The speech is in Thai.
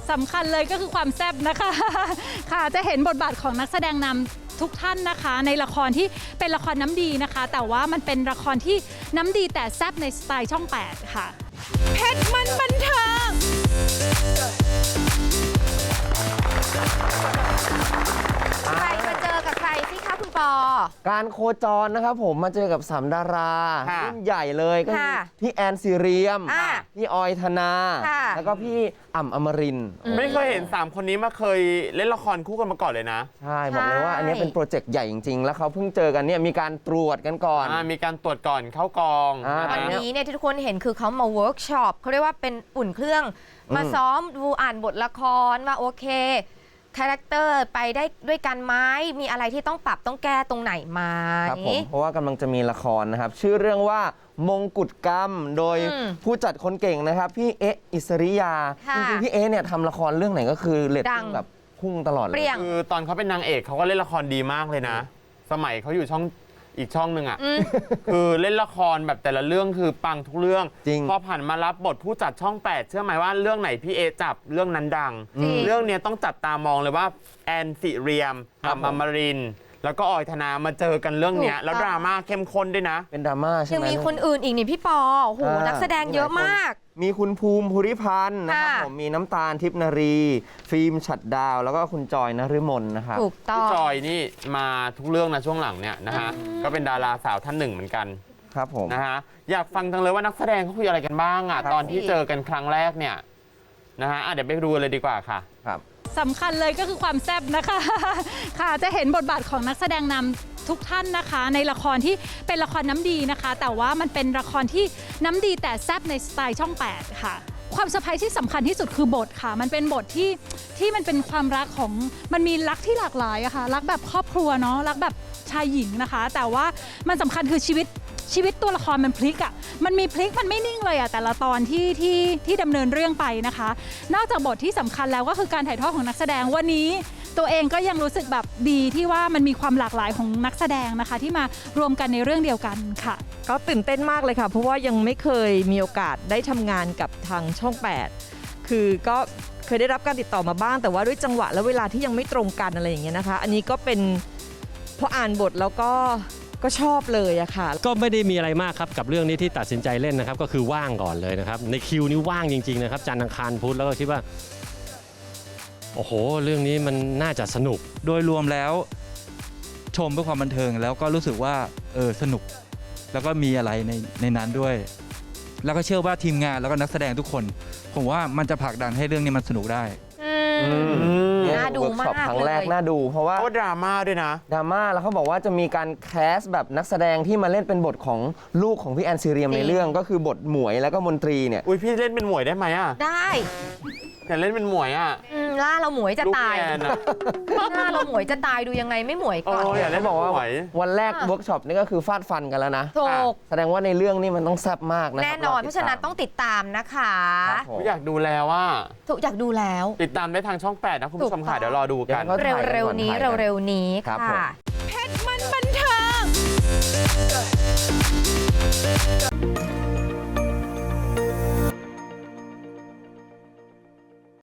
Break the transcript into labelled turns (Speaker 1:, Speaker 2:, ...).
Speaker 1: สำคัญเลยก็คือความแซ่บนะคะค่ะจะเห็นบทบาทของนักแสดงนำทุกท่านนะคะในละครที่เป็นละครน้ำดีนะคะแต่ว่ามันเป็นละครที่น้ำดีแต่แซ่บในสไตล์ช่อง 8 ค่ะ
Speaker 2: เพชรมันบันเทิงใครมาเจอกับใครสิคะคุณปอ
Speaker 3: การโคจรนะครับผมมาเจอกับ3ดารารุ่นใหญ่เลยก็คือพี่แอนซีเรียมพี่ออยธนาแล้วก็พี่อ่ำอมรินทร์
Speaker 4: ไม่เคยเห็น3คนนี้มาเคยเล่นละครคู่กันมาก่อนเลยนะ
Speaker 3: ใช่บอกเลยว่าอันนี้เป็นโปรเจกต์ใหญ่จริงๆแล้วเขาเพิ่งเจอกันเนี่ยมีการตรวจกันก่อน
Speaker 4: มีการตรวจก่อนเข้ากอง
Speaker 2: วันนี้เนี่ยที่ทุกคนเห็นคือเขามาเวิร์กช็อปเขาเรียกว่าเป็นอุ่นเครื่องมาซ้อมดูอ่านบทละครว่าโอเคคาแรคเตอร์ไปได้ด้วยกันไหมมีอะไรที่ต้องปรับต้องแก้ตรงไหนไหม
Speaker 3: ครับผมเพราะว่ากำลังจะมีละครนะครับชื่อเรื่องว่ามงกุฎกรรมโดยผู้จัดคนเก่งนะครับพี่เอ๊ะอิสริยาจริงๆพี่เอ๊ะเนี่ยทำละครเรื่องไหนก็คือเรตติ้งแบบพุ่งตลอดเลย
Speaker 4: คือตอนเขาเป็นนางเอกเขาก็เล่นละครดีมากเลยนะสมัยเขาอยู่ช่องอีกช่องหนึ่งอ่ะคือเล่นละครแบบแต่ละเรื่องคือปังทุกเรื่องพอผ่านมารับบทผู้จัดช่อง 8เชื่อไหมว่าเรื่องไหนพี่เอจับเรื่องนั้นดังเรื่องนี้ต้องจับตามองเลยว่าแอนซีเรียมอ่ำอมรินทร์แล้วก็ออยธนามาเจอกันเรื่องนี้แล้วดราม่าเข้มข้นด้วยนะ
Speaker 3: เป็นดราม่าใช่ไหม
Speaker 2: ยังมีคนอื่นอีกนี่พี่ปอโอ้โหนักแสดงเยอะมาก
Speaker 3: มีคุณภูมิภูริพันธ์นะครับผมมีน้ำตาลทิพย์นารีฟิล์มฉัตรดาวแล้วก็คุณจอยนฤมลนะครับ
Speaker 2: ถูกต้อง
Speaker 4: จอยนี่มาทุกเรื่องนะช่วงหลังเนี่ยนะฮะก็เป็นดาราสาวท่านหนึ่งเหมือนกัน
Speaker 3: ครับผม
Speaker 4: นะฮะอยากฟังจังเลยว่านักแสดงเขาคุยอะไรกันบ้างอ่ะตอนที่เจอกันครั้งแรกเนี่ยนะฮะเดี๋ยวไปดูเลยดีกว่าค่ะ
Speaker 3: ครับ
Speaker 1: สำคัญเลยก็คือความแซ่บนะคะค่ะจะเห็นบทบาทของนักแสดงนำทุกท่านนะคะในละครที่เป็นละครน้ำดีนะคะแต่ว่ามันเป็นละครที่น้ำดีแต่แซ่บในสไตล์ช่อง 8 ค่ะความเซอร์ไพรส์ที่สำคัญที่สุดคือบทค่ะมันเป็นบทที่มันเป็นความรักของมันมีรักที่หลากหลายอะค่ะรักแบบครอบครัวเนาะรักแบบชายหญิงนะคะแต่ว่ามันสำคัญคือชีวิตตัวละครมันพลิกอ่ะมันมีพลิกมันไม่นิ่งเลยอ่ะแต่ละตอนที่ดำเนินเรื่องไปนะคะนอกจากบทที่สำคัญแล้วก็คือการถ่ายทอดของนักแสดงวันนี้ตัวเองก็ยังรู้สึกแบบดีที่ว่ามันมีความหลากหลายของนักแสดงนะคะที่มารวมกันในเรื่องเดียวกันค่ะ
Speaker 5: ก็ตื่นเต้นมากเลยค่ะเพราะว่ายังไม่เคยมีโอกาสได้ทำงานกับทางช่อง 8คือก็เคยได้รับการติดต่อมาบ้างแต่ว่าด้วยจังหวะและเวลาที่ยังไม่ตรงกันอะไรอย่างเงี้ยนะคะอันนี้ก็เป็นพออ่านบทแล้วก็ชอบเลยอะค่ะ
Speaker 6: ก็ไม่ได้มีอะไรมากครับกับเรื่องนี้ที่ตัดสินใจเล่นนะครับก็คือว่างก่อนเลยนะครับในคิวนี้ว่างจริงๆนะครับจันทร์อังคารพุธแล้วก็คิดว่าโอ้โหเรื่องนี้มันน่าจะสนุก
Speaker 7: โดยรวมแล้วชมเพื่อความบันเทิงแล้วก็รู้สึกว่าสนุกแล้วก็มีอะไรในนั้นด้วยแล้วก็เชื่อว่าทีมงานแล้วก็นักแสดงทุกคนผมว่ามันจะผลักดันให้เรื่องนี้มันสนุกได้
Speaker 2: น่าดูมาก
Speaker 3: ครั้งแรกน่าดูเพราะว่า
Speaker 4: ดราม่าด้วยนะ
Speaker 3: ดราม่าแล้วเขาบอกว่าจะมีการแคสแบบนักแสดงที่มาเล่นเป็นบทของลูกของพี่แอนซีเรียมในเรื่องก็คือบทหมวยแล้วก็มนตรีเนี่ย
Speaker 4: พี่เล่นเป็นหมวยได้ไหมอ่ะ
Speaker 2: ได้
Speaker 4: อยากเล่นเป็นหมวยอ่ะ
Speaker 2: หน้าเราหมวยจะตายหน้าเราหมวยจะตายดูยังไงไม่หมวยก่อน
Speaker 4: อยากเล่น
Speaker 3: บอกว่าวันแรกเวิร์กช็อปนี่ก็คือฟาดฟันกันแล้วนะ
Speaker 2: ถูก
Speaker 3: แสดงว่าในเรื่องนี้มันต้องแซ่บมากนะ
Speaker 2: แน่นอนเพราะฉะนั้นต้องติดตามนะคะ
Speaker 4: อยากดูแล้วว่า
Speaker 2: อยากดูแล้ว
Speaker 4: ติดตามได้ทางช่อง 8นะคุณผู้ชมค่ะเดี๋ยวรอดูกัน
Speaker 2: เร็วๆนี้ค่ะเพชรมันบันเทิง